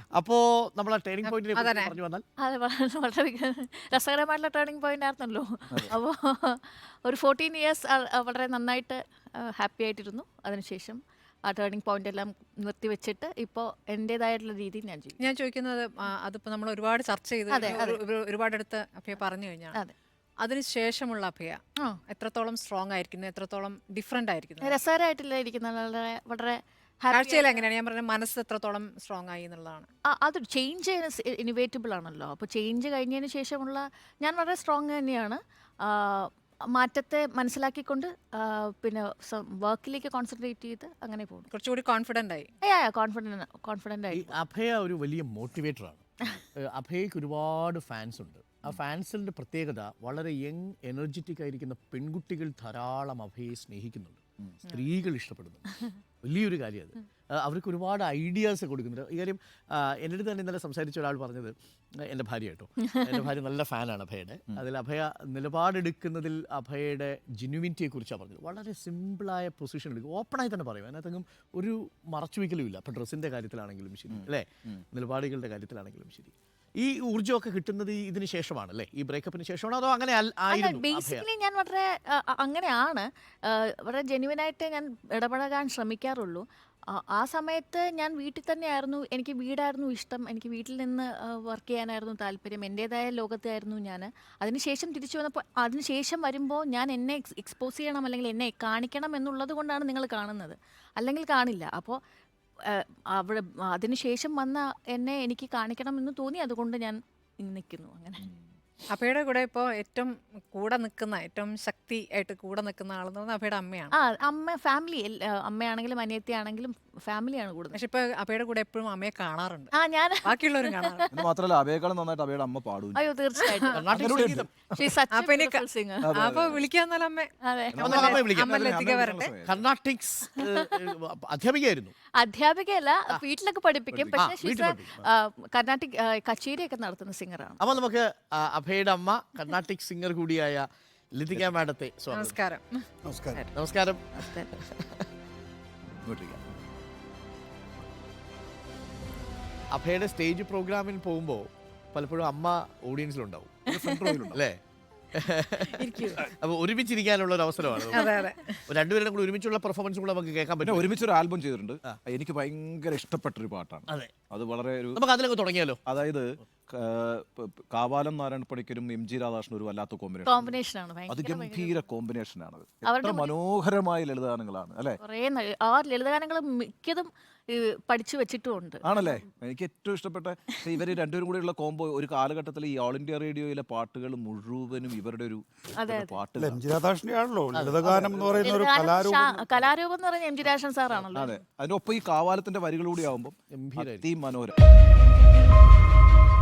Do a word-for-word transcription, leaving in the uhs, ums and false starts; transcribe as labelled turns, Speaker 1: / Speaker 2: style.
Speaker 1: അപ്പോൾ നമ്മൾ ആ ടേണിംഗ് പോയിന്റിനെ
Speaker 2: അതന്നെ.
Speaker 1: പറഞ്ഞു വന്നാൽ
Speaker 3: അതെ വളരെ വളരെ രസകരമായിട്ടുള്ള ടേണിംഗ് പോയിന്റ് ആയിരുന്നല്ലോ. അപ്പോൾ ഒരു ഫോർട്ടീൻ ഇയേഴ്സ് വളരെ നന്നായിട്ട് ഹാപ്പി ആയിട്ടിരുന്നു. അതിനുശേഷം ആ ടേണിംഗ് പോയിന്റ് എല്ലാം നിർത്തിവെച്ചിട്ട് ഇപ്പോൾ എൻ്റെതായിട്ടുള്ള രീതിയിൽ ഞാൻ ചെയ്യും.
Speaker 2: ഞാൻ ചോദിക്കുന്നത് ആ, അതിപ്പോ നമ്മൾ ഒരുപാട് ചർച്ച ചെയ്ത്
Speaker 3: അതെ,
Speaker 2: ഒരു- ഒരു- ഒരുപാടടുത്ത് അഭയ പറഞ്ഞു കഴിഞ്ഞാണ്.
Speaker 3: അതെ.
Speaker 2: അതിനുശേഷമുള്ള അഭയ
Speaker 3: ആ
Speaker 2: എത്രത്തോളം സ്ട്രോങ് ആയിരിക്കുന്നു, എത്രത്തോളം ഡിഫറെന്റ് ആയിരിക്കുന്നു?
Speaker 3: രസകരമായിട്ടില്ല ഇരിക്കുന്ന വളരെ വളരെ happy
Speaker 2: കാഴ്ചയിൽ എങ്ങനെയാണ്? ഞാൻ പറഞ്ഞ മനസ്സ് എത്രത്തോളം സ്ട്രോങ് ആയി എന്നുള്ളതാണ്.
Speaker 3: ആ, അത് ചേഞ്ച് ഇനിവേറ്റബിൾ ആണല്ലോ. അപ്പോൾ ചേഞ്ച് കഴിഞ്ഞതിന് ശേഷമുള്ള ഞാൻ വളരെ സ്ട്രോങ് തന്നെയാണ്. ആ, മാറ്റത്തെ മനസ്സിലാക്കിക്കൊണ്ട് ആ, പിന്നെ വർക്കിലേക്ക് കോൺസെൻട്രേറ്റ് ചെയ്ത് അങ്ങനെ പോകുന്നു.
Speaker 2: കുറച്ചുകൂടി കോൺഫിഡന്റ് ആയി.
Speaker 3: കോൺഫിഡൻ്റ് കോൺഫിഡൻ്റ്
Speaker 1: ഈ
Speaker 3: ആയി.
Speaker 1: അഭയ ഒരു വലിയ മോട്ടിവേറ്ററാണ്. അഭയക്ക് ഒരുപാട് ഫാൻസ് ഉണ്ട്. ആ ഫാൻസിൻ്റെ പ്രത്യേകത വളരെ യങ് എനർജറ്റിക് ആയിരിക്കുന്ന പെൺകുട്ടികൾ ധാരാളം അഭയെ സ്നേഹിക്കുന്നുണ്ട്, സ്ത്രീകൾ ഇഷ്ടപ്പെടുന്നുണ്ട്. വലിയൊരു കാര്യം അത്. ആ, അവർക്ക് ഒരുപാട് ഐഡിയാസ് കൊടുക്കുന്നുണ്ട്. ഈ കാര്യം ആ, എൻ്റെ അടുത്ത് തന്നെ ഇന്നലെ സംസാരിച്ച ഒരാൾ പറഞ്ഞത്, എൻ്റെ ഭാര്യ കേട്ടോ, എൻ്റെ ഭാര്യ നല്ല ഫാനാണ് അഭയുടെ. അതിൽ അഭയ നിലപാടെടുക്കുന്നതിൽ അഭയയുടെ ജെന്യുവിനിറ്റിയെ കുറിച്ചാണ് പറഞ്ഞത്. വളരെ സിമ്പിളായ പൊസിഷൻ എടുക്കും, ഓപ്പണായി തന്നെ പറയും. അതിനകത്തെങ്കിലും ഒരു മറച്ചുവെക്കലും ഇല്ല. അപ്പം ഡ്രസ്സിൻ്റെ കാര്യത്തിലാണെങ്കിലും ശരി, അല്ലേ, നിലപാടുകളുടെ കാര്യത്തിലാണെങ്കിലും ശരി. ഈ ഊർജ്ജമൊക്കെ കിട്ടുന്നത് ഈ ഇതിന് ശേഷമാണ്, അല്ലേ, ഈ ബ്രേക്കപ്പിന് ശേഷമാണോ അതോ അങ്ങനെ അൽ- ആയിരുന്നു അഭയ?
Speaker 3: ബേസിക്കലി ഞാൻ വളരെ ആ, ആ, അങ്ങനെയാണ്. ആ, വളരെ ജെന്യുവനായിട്ട് ഞാൻ ഇടപഴകാൻ ശ്രമിക്കാറുള്ളൂ. ആ, ആ സമയത്ത് ഞാൻ വീട്ടിൽ തന്നെയായിരുന്നു. എനിക്ക് വീടായിരുന്നു ഇഷ്ടം. എനിക്ക് വീട്ടിൽ നിന്ന് വർക്ക് ചെയ്യാനായിരുന്നു താല്പര്യം. എൻ്റേതായ ലോകത്തായിരുന്നു ഞാൻ. അതിനുശേഷം തിരിച്ചു വന്നപ്പോൾ അതിനുശേഷം വരുമ്പോൾ ഞാൻ എന്നെ എക്സ് എക്സ്പോസ് ചെയ്യണം അല്ലെങ്കിൽ എന്നെ കാണിക്കണം എന്നുള്ളത് കൊണ്ടാണ് നിങ്ങൾ കാണുന്നത്, അല്ലെങ്കിൽ കാണില്ല. അപ്പോൾ അവിടെ അതിനുശേഷം വന്ന എന്നെ എനിക്ക് കാണിക്കണം എന്ന് തോന്നി, അതുകൊണ്ട് ഞാൻ നിൽക്കുന്നു അങ്ങനെ.
Speaker 2: അഭയുടെ കൂടെ ഇപ്പോൾ ഏറ്റവും കൂടെ നിൽക്കുന്ന, ഏറ്റവും ശക്തി ആയിട്ട് കൂടെ നിൽക്കുന്ന ആളെന്ന് പറഞ്ഞാൽ അഭയുടെ അമ്മയാണ്.
Speaker 3: ആ, അമ്മ ഫാമിലി, അമ്മയാണെങ്കിലും അനിയത്തിയാണെങ്കിലും ഫാമിലിയാണ് കൂടുതൽ.
Speaker 2: പക്ഷെ ഇപ്പൊ അഭയുടെ കൂടെ എപ്പോഴും അമ്മയെ കാണാറുണ്ട്,
Speaker 3: ആ, ഞാൻ
Speaker 2: ബാക്കിയുള്ളവരും കാണാറുണ്ട്.
Speaker 4: എന്ന് മാത്രമല്ല അഭയേക്കാളും നന്നായിട്ട് അഭയുടെ അമ്മ പാടും.
Speaker 3: അയ്യോ തീർച്ചയായിട്ടും.
Speaker 1: കർണാടക സംഗീതം.
Speaker 3: She's such a
Speaker 2: അപ്പൊ ഇനി
Speaker 3: beautiful singer.
Speaker 2: അപ്പൊ വിളിക്കാന്നാലും അമ്മ
Speaker 3: അതെ.
Speaker 1: നമുക്ക് അമ്മയെ വിളിക്കാം.
Speaker 2: അമ്മയിലെത്തിക്കാൻ വരട്ടെ.
Speaker 1: കർണാട്ടിക്സ് അധ്യാപികയായിരുന്നു.
Speaker 3: അധ്യാപികയല്ല, വീട്ടിലൊക്കെ പഠിപ്പിക്കും.
Speaker 1: ആ,
Speaker 3: പക്ഷേ
Speaker 1: വീട്ടിൽ
Speaker 3: she's a,
Speaker 1: പഠിപ്പിക്കും.
Speaker 3: ആ, കർണാട്ടിക് ആ, കച്ചേരിയൊക്കെ നടത്തുന്ന സിംഗറാണ്.
Speaker 1: അപ്പോൾ നമുക്ക് ആ, അഭയുടെ അമ്മ കർണാട്ടിക് സിംഗർ കൂടിയായ ലതിക മാഡത്തെ സ്വാഗതം.
Speaker 2: നമസ്കാരം.
Speaker 4: നമസ്കാരം.
Speaker 1: നമസ്കാരം.
Speaker 4: ഇങ്ങോട്ടിരിക്കാം.
Speaker 1: അഭയുടെ സ്റ്റേജ് പ്രോഗ്രാമിൽ പോകുമ്പോൾ പലപ്പോഴും അമ്മ ഓഡിയൻസിലുണ്ടാവും,
Speaker 4: ഫ്രണ്ട് റോയിലുണ്ട്.
Speaker 1: അല്ലേ? അപ്പോൾ ഒരുമിച്ചിരിക്കാനുള്ള ഒരു അവസരമാണ്.
Speaker 2: അതെ അതെ.
Speaker 1: രണ്ടുപേരും കൂടി ഒരുമിച്ചുള്ള പെർഫോമൻസ് കൂടെ നമുക്ക് കേൾക്കാൻ
Speaker 4: പിന്നെ
Speaker 1: പറ്റും.
Speaker 4: ഒരുമിച്ചൊരു ആൽബം ചെയ്തിട്ടുണ്ട്. എനിക്ക് ഭയങ്കര ഇഷ്ടപ്പെട്ടൊരു പാട്ടാണ്.
Speaker 1: അതെ,
Speaker 4: അത് വളരെ ഒരു,
Speaker 1: നമുക്ക് അതിലൊക്കെ തുടങ്ങിയാലോ?
Speaker 4: അതായത് ക- പ- പ- കാവാലം നാരായണ പണിക്കരും എം ജി രാധാകൃഷ്ണനും ഒരു വല്ലാത്ത കോമ്പിനേഷൻ.
Speaker 3: കോമ്പിനേഷനാണ്
Speaker 4: അത്
Speaker 3: ഭയങ്കര
Speaker 4: ഗംഭീര കോമ്പിനേഷനാണ്.
Speaker 3: അവരുടെ
Speaker 4: എത്ര മനോഹരമായ ലളിതഗാനങ്ങളാണ് അല്ലേ?
Speaker 3: കുറേ ന- ആ ലളിതഗാനങ്ങൾ മിക്കതും ഈ, പഠിച്ചു വെച്ചിട്ടുമുണ്ട്.
Speaker 4: ആണല്ലേ? എനിക്ക് ഏറ്റവും ഇഷ്ടപ്പെട്ട ഇവർ രണ്ടുപേരും കൂടെയുള്ള കോംബോ. ഒരു കാലഘട്ടത്തിൽ ഈ ഓൾ ഇന്ത്യ റേഡിയോയിലെ പാട്ടുകൾ മുഴുവനും ഇവരുടെ ഒരു പാട്ട്.
Speaker 5: എം ജി രാധാകൃഷ്ണനാണല്ലോ ലളിതഗാനം എന്ന് പറയുന്ന ഒരു
Speaker 3: ലളിതഗാനം
Speaker 5: കലാരൂപം.
Speaker 3: ശാ- കലാരൂപം എന്ന് പറഞ്ഞ എം ജി രാജൻ സാറാണല്ലോ.
Speaker 4: അതെ, അതിനൊപ്പം ഈ കാവാലത്തിന്റെ വരികളൂടെ ആവുമ്പോൾ
Speaker 1: ഗംഭീരായിരുന്നു.
Speaker 4: അതിമനോഹരം.